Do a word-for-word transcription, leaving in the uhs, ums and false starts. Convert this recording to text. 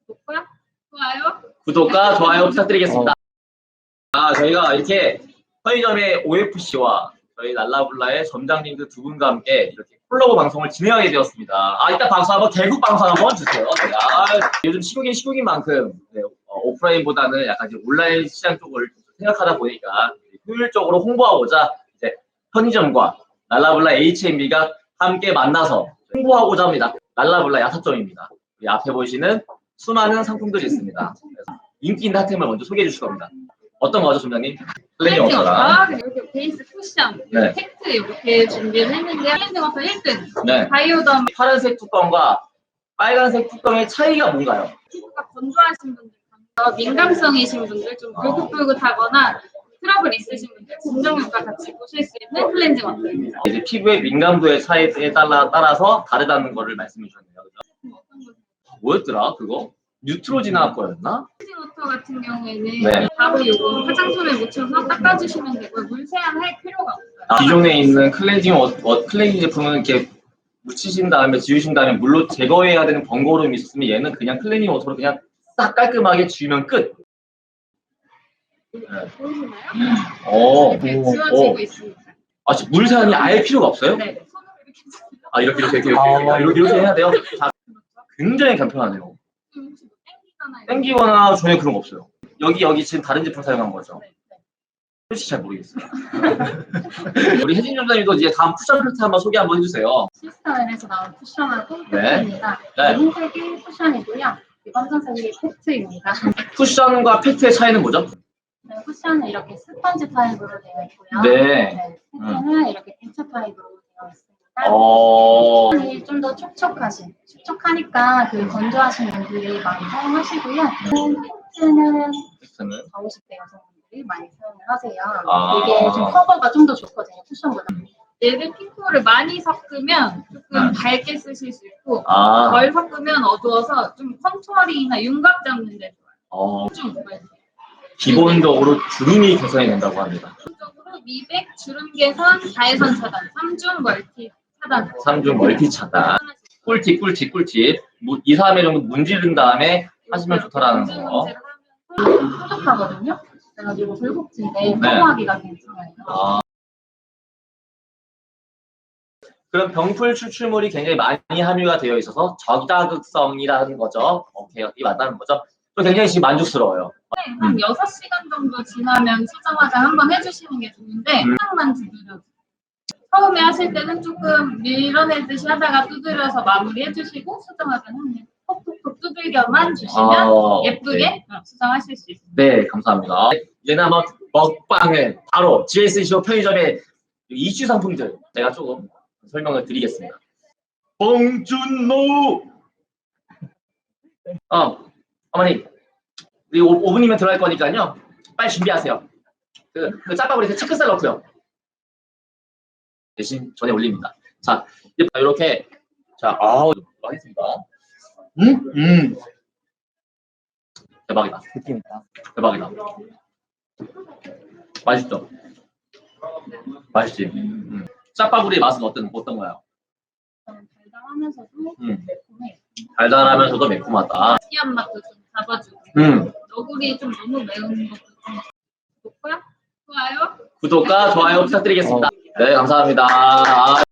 구독과 좋아요. 구독과 좋아요 부탁드리겠습니다. 아, 저희가 이렇게 편의점의 오에프씨와 저희 랄라블라의 점장님들 두 분과 함께 이렇게 콜라보 방송을 진행하게 되었습니다. 아, 이따 방송 한번, 개국 방송 한번 주세요. 제가 아, 요즘 시국인 시국인 만큼 네, 어, 오프라인보다는 약간 이제 온라인 시장 쪽을 생각하다 보니까 효율적으로 홍보하고자 이제 편의점과 랄라블라 에이치엠비가 함께 만나서 홍보하고자 합니다. 랄라블라 야사점입니다. 이 앞에 보시는 수많은 상품들이 있습니다. 인기 있는 핫템을 먼저 소개해 주실 겁니다. 어떤 거죠, 점장님? 클렌징 워터랑 이렇게 베이스 쿠션, 네. 팩트 이렇게 준비를 했는데 클렌징 워터 일 등, 네. 바이오덤. 파란색 뚜껑과 빨간색 뚜껑의 차이가 뭔가요? 피부가 건조하신 분들, 민감성이신 분들, 좀 불긋불긋하거나 트러블 있으신 분들, 진정력과 같이 보실 수 있는 클렌징 워터입니다. 이제 피부의 민감도의 차이에 따라, 따라서 다르다는 거를 말씀해 주셨네요. 그죠? 뭐였더라, 그거? 뉴트로지나 거였나? 클렌징 워터 같은 경우에는 네. 바로 이거 화장솜에 묻혀서 닦아주시면 되고요. 물 세안할 필요가 없어요. 아, 기존에 있는 클렌징 워, 워, 클렌징 제품은 이렇게 묻히신 다음에 지우신 다음에 물로 제거해야 되는 번거로움이 있었으면 얘는 그냥 클렌징 워터로 그냥 싹 깔끔하게 지우면 끝. 네. 보이시나요? 오, 이렇게 오, 지워지고 오. 있습니다. 아, 지금 물 세안이 아예 필요가 없어요? 네, 손으로 이렇게 아, 이렇게 이렇게 이렇게 이렇게, 아. 이렇게, 이렇게 해야 돼요. 자, 굉장히 간편하네요. 좀 혹시 뭐 땡기거나 이런 땡기거나 전혀 그런 거 없어요. 여기 여기 지금 다른 제품 사용한 거죠? 네, 네. 솔직히 잘 모르겠어요. 우리 혜진 점장님도 이제 다음 쿠션 팩트 한번 소개 한번 해주세요. 시스타일에서 나온 쿠션하고 네. 팩트입니다. 네. 흰색이 쿠션이고요. 이 검정색이 팩트입니다. 쿠션과 팩트의 차이는 뭐죠? 네, 쿠션은 이렇게 스펀지 타입으로 되어 있고요. 네. 팩트는 이렇게 액체 타입으로 되어 있습니다. 어. 쿠션이 좀 더 촉촉하신, 촉촉하니까 그 건조하신 분들이 많이 사용하시고요. 팩트는 팩트는 사오십 대 여성분들이 많이 사용을 하세요. 아. 이게 좀 커버가 좀 더 좋거든요, 쿠션보다. 얘를 핑크를 많이 섞으면 조금 네. 밝게 쓰실 수 있고 아. 덜 섞으면 어두워서 좀 컨투어링이나 윤곽 잡는 데 좋아요. 어. 좀 좋아요. 기본적으로 주름이 개선이 된다고 합니다. 기본적으로 미백, 주름 개선, 자외선 차단, 삼중 멀티 차단. 삼중 멀티 차단. 꿀팁, 꿀팁, 꿀팁. 이, 삼 회 정도 문지른 다음에 하시면 좋다라는 거. 뾰족하거든요. 그래가지고 굴곡진데 커버하기가 괜찮아요. 아. 그럼 병풀 추출물이 굉장히 많이 함유가 되어 있어서 저자극성이라는 거죠. 오케이, 이 맞다는 거죠. 또 굉장히 지금 만족스러워요. 네, 한 여섯 시간 정도 지나면 수정 화장 한번 해주시는 게 좋은데 음. 화장만 두드려. 처음에 하실 때는 조금 밀어내듯이 하다가 두드려서 마무리 해주시고 수정 화장 하면 톡톡톡 두들겨만 주시면 아, 예쁘게 네. 수정하실 수 있습니다. 네, 감사합니다. 이제는 한번 먹방을 바로 지에스씨오 편의점의 이슈 상품들 제가 조금 설명을 드리겠습니다. 봉준노! 어, 어머니, 우리 오 분이면 들어갈 거니까요. 빨리 준비하세요. 그, 그 짬밥으로 체크살 넣고요. 대신 전에 올립니다. 자, 이렇게, 자, 아우, 하겠습니다. 음, 음. 대박이다. 느낌 있다. 대박이다. 맛있죠? 맛있지? 음. 짜파구리의 맛은 어떤, 어떤 거야? 달달하면서도 음. 매콤해. 달달하면서도 매콤하다. 시한 맛도 좀 잡아주고 음. 너구리 좀 너무 매운 것도 좀 좋고요. 좋아요. 구독과 좋아요 부탁드리겠습니다. 네, 감사합니다.